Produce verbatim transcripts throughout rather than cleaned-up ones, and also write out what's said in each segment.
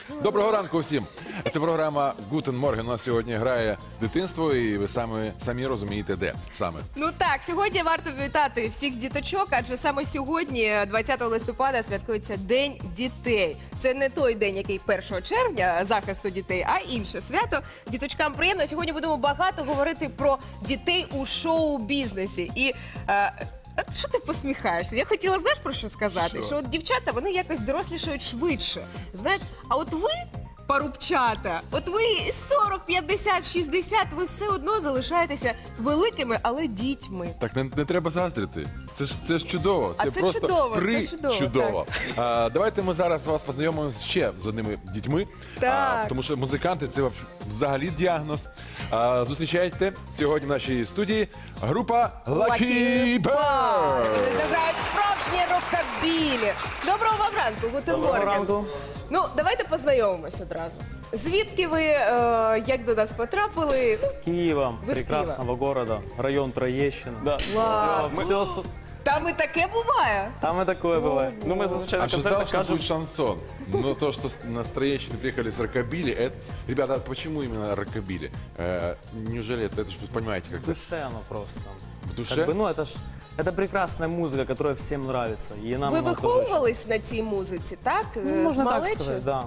Доброго ранку всім. Це програма Гутен Морген. У нас сьогодні грає дитинство, і ви самі, самі розумієте, де саме. Ну так, сьогодні варто вітати всіх діточок, адже саме сьогодні, двадцятого листопада, святкується День дітей. Це не той день, який першого червня, захисту дітей, а інше свято. Діточкам приємно. Сьогодні будемо багато говорити про дітей у шоу-бізнесі. І е, а що ти посміхаєшся? Я хотіла, знаєш, про що сказати? Що? Що от дівчата, вони якось дорослішають швидше. Знаєш, а от ви, парубчата, от ви сорок, п'ятдесят, шістдесят, ви все одно залишаєтеся великими, але дітьми. Так не, не треба заздрити. Це ж це ж чудово. А Це, це просто чудово, це при чудово, чудово. А, давайте ми зараз вас познайомимо ще з одними дітьми. Так. А, тому що музиканти це взагалі діагноз. А, зустрічайте сьогодні в нашій студії група Lucky Bird. Вони заграють справжнє рокабілі. Доброго вам ранку, Гутен Доброго Морген. ранку. Ну, давайте познайомимось одразу. Звідки ви, е, як до нас потрапили? С Киева, Вы с прекрасного города, район Троещина. Да. Клас. Все, все, Там і таке буває. там и такое бывает. Ну, ми зазвичай на А что концертах что кажемо. будет шансон? Но то, что с- на Троещину приехали с рокобили, это... Ребята, а почему именно рокобили? Э, неужели это, это ж вы понимаете, как В душе оно просто. в душе? Как бы, ну, это ж это прекрасная музыка, которая всем нравится. И нам Ви она тоже очень- виховувались на цій музиці, так? Е, Ну, можно з так малечі? сказать, да.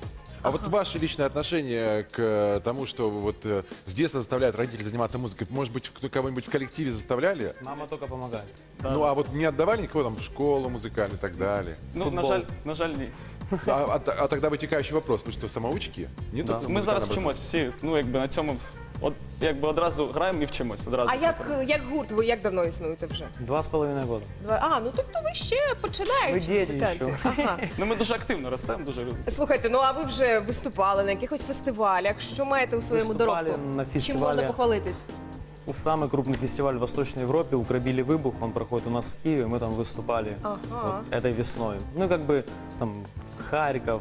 А вот ваше личное отношение к э, тому, что вот э, с детства заставляют родители заниматься музыкой, может быть, кто- кого-нибудь в коллективе заставляли? Мама только помогает. Ну, а вот не отдавали никого там в школу музыкальную и так далее? Ну, на Футбол. жаль, на жаль, ні. А, а т- а тогда вытекающий вопрос, вы что, самоучки? Не Да. только Ми зараз музыкальное вчимось всі, ну, якби на цьому, от, якби одразу граємо і вчимось. Одразу. А як, як гурт, ви як давно існуєте вже? Два с половиной года. Два- А, ну тобто ви ще починаєте. Ви діти музиканти. ще. Ага. Ну, ми дуже активно ростемо, дуже любимо. Слухайте, ну а ви вже виступали на якихось фестивалях? Що маєте у своєму Виступали доробку? на Чим фестивалі. можна похвалитись? Самый крупный фестиваль в Восточной Европе, «Украбили выбух», он проходит у нас в Киеве, мы там выступали Ага. вот этой весной. Ну, как бы, там, Харьков,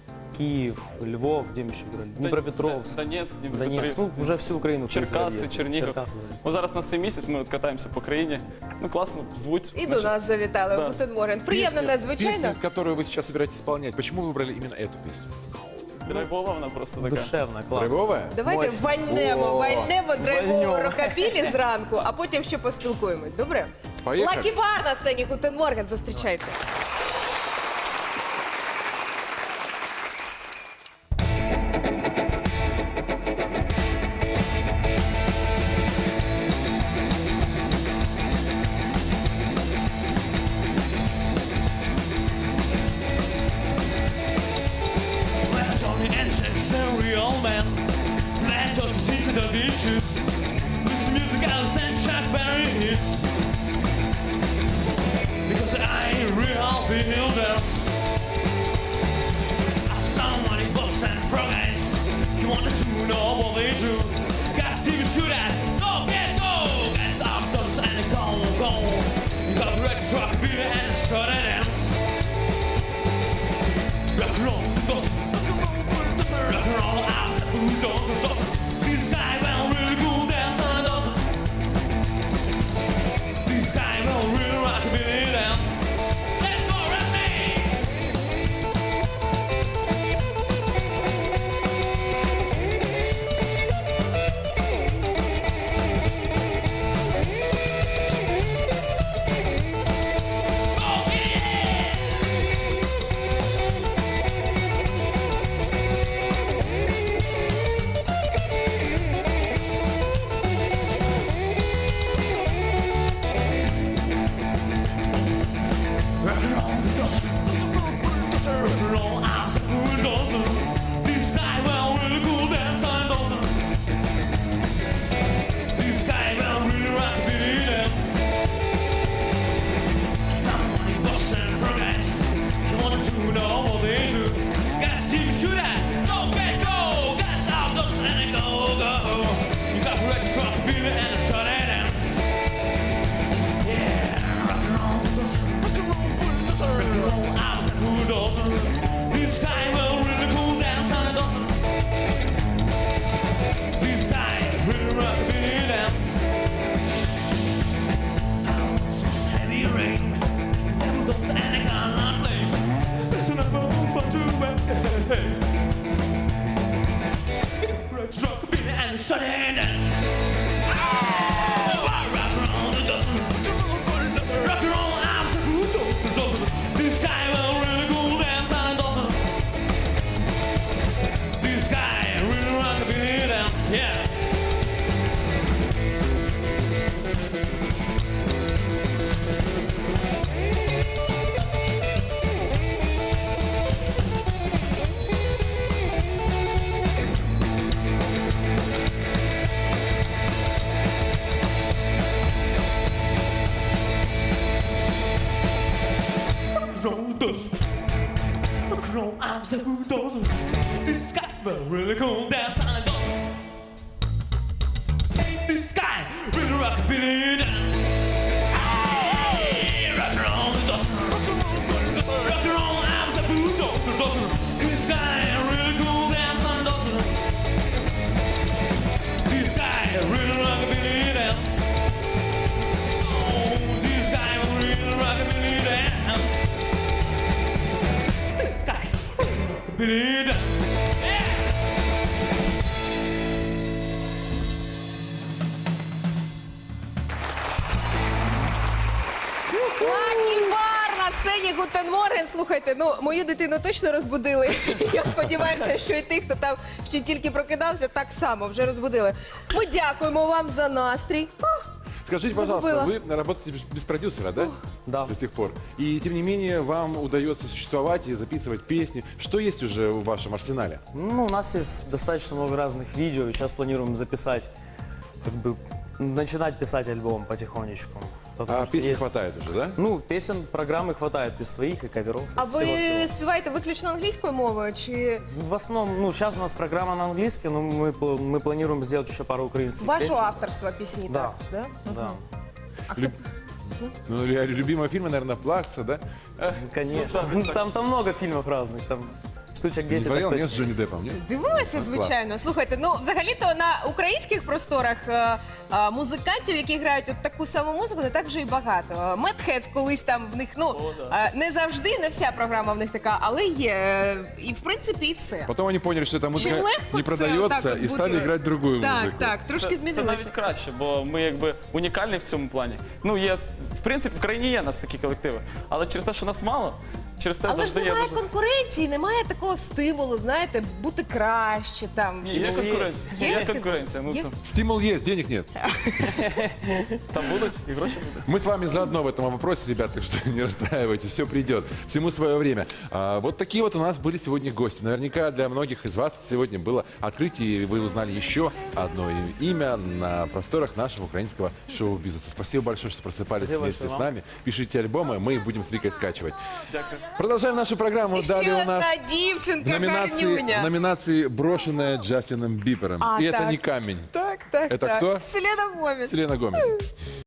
Киев, Львов, где мы еще играли, Днепропетровск. Донецьк, Донецк, Дніпропетровськ. ну, уже всю Украину. в принципе, Черкаси, объездили. Чернігів. Черкасы, да. Ось зараз на цей місяць ми от катаємося по країні. Ну, класно, звуть. І до Наші- нас завітали. Да. Гутен Морген. Приємно, Песню, надзвичайно. песню, которую вы сейчас собираетесь исполнять, почему вы выбрали именно эту песню? Драйвова вона просто така. Душевно, классно. Драйвовая? Давайте Мощно. вальнемо, О, вальнемо драйвову вальнемо. рокабілі зранку, а потім ще поспілкуємось. Добре? Поїхали. Лакі Бар на сцені Гутен Морген. Зустрічайте. Flash on the entrance, a real man. Smash just to see to the dishes. Listen to music, I'll send Chuck Berry hits. Because I ain't real builders. Someone in Boston and Frog Eyes. You wanted to know what they do. Got Stevie shoot at. Go, get go. Got some dogs and go, go. You got a red truck, beat and start a dance. Rock and roll, does rock and roll, house, who doesn't, doesn't. This guy will really cool dance and doesn't. This guy will really rock a billy dance. Let's go, with me. Oh, yeah. Rockabilly and shut and dance. Oh, rock and roll, it doesn't. Rock and roll, I'm so good, doesn't, doesn't. This guy will really go dance and doesn't. This guy really rockabilly dance, yeah. Roll does rock and roll, I'm so who doesn't. This guy will really cool dance and doesn't. This guy really rockabilly dance. Hey, rock and roll doesn't. Rock and roll, I'm so who doesn't, doesn't. This guy really cool dance and doesn't. This guy really rockabilly dance. Oh, this guy will really rockabilly dance. This guy, Billy dance. Yeah. Лакі бар на сцені Гутен Морген. Слухайте, ну мою дитину точно розбудили. Я сподіваюся, що і тих, хто там ще тільки прокидався, так само вже розбудили. Ми дякуємо вам за настрій. А, Скажите, пожалуйста, Забыла. вы работаете без, без продюсера, да? Да. До сих пор. И тем не менее вам удается существовать и записывать песни. Что есть уже в вашем арсенале? Ну, у нас есть достаточно много разных видео, и сейчас планируем записать, как бы, начинать писать альбом потихонечку. Потому А что песен есть- хватает уже, да? Ну, песен, программы хватает и своих, и каверов. а и ви всего-всего. співаєте виключно англійською мовою? Чи В основном, ну, сейчас у нас программа на английском, но мы, пл- мы планируем сделать еще пару украинских вашого песен. авторства пісні? Да. Так? Да? Да, А хто Люб- Ну, лю- любимые фильмы, наверное, «Плакса», да? конечно. Ну, так, Там, там много фильмов разных, там штучек Не десять. смотрел, так нет, с точно. Джонни Деппом, нет? Дивилася, клас. звичайно. Слухайте, ну взагалі-то на українських просторах е, е, музикантів, які грають от таку саму музику, не так вже і багато. Медхедс колись там в них, ну О, да. е, не завжди, не вся програма в них така, але є. Е, І в принципі, і все. Потом они поняли, что эта Чи музыка легко не це продается, отак от и стали бути? играть другую Так, музыку. так, трошки Це, це змінилося. навіть краще, бо ми якби унікальні в цьому плані. Ну, є, в принципі, в країні є у нас такі колективи, але через те, що нас мало, через те Але ж завжди є немає дуже... конкуренції, немає такого стимулу, знаєте, бути краще там. Є Ну, конкуренція. є. Є, Є конкуренція. Ну, Є. там, Стимул есть, денег нет. там будуть і гроші будуть. Мы с вами заодно в этом вопросе, ребята, так что не расстраивайтесь, все придет, всему свое время. А, вот такие вот у нас были сегодня гости. Наверняка для многих из вас сегодня было открытие, и вы узнали еще одно и- имя на просторах нашего украинского шоу-бизнеса. Спасибо большое, что просыпались Спасибо вместе большое с вам. нами. Пишите альбомы, мы их будем с Викой скачивать. Дякую. Продолжаем нашу программу. Ще Далее у нас одна дівчинка, номинации, гарнюня. номинации «Брошенная Джастином Бибером». А, и это так. не камень. Так, так, Это так. кто? Селена Гомес. Селена Гомес.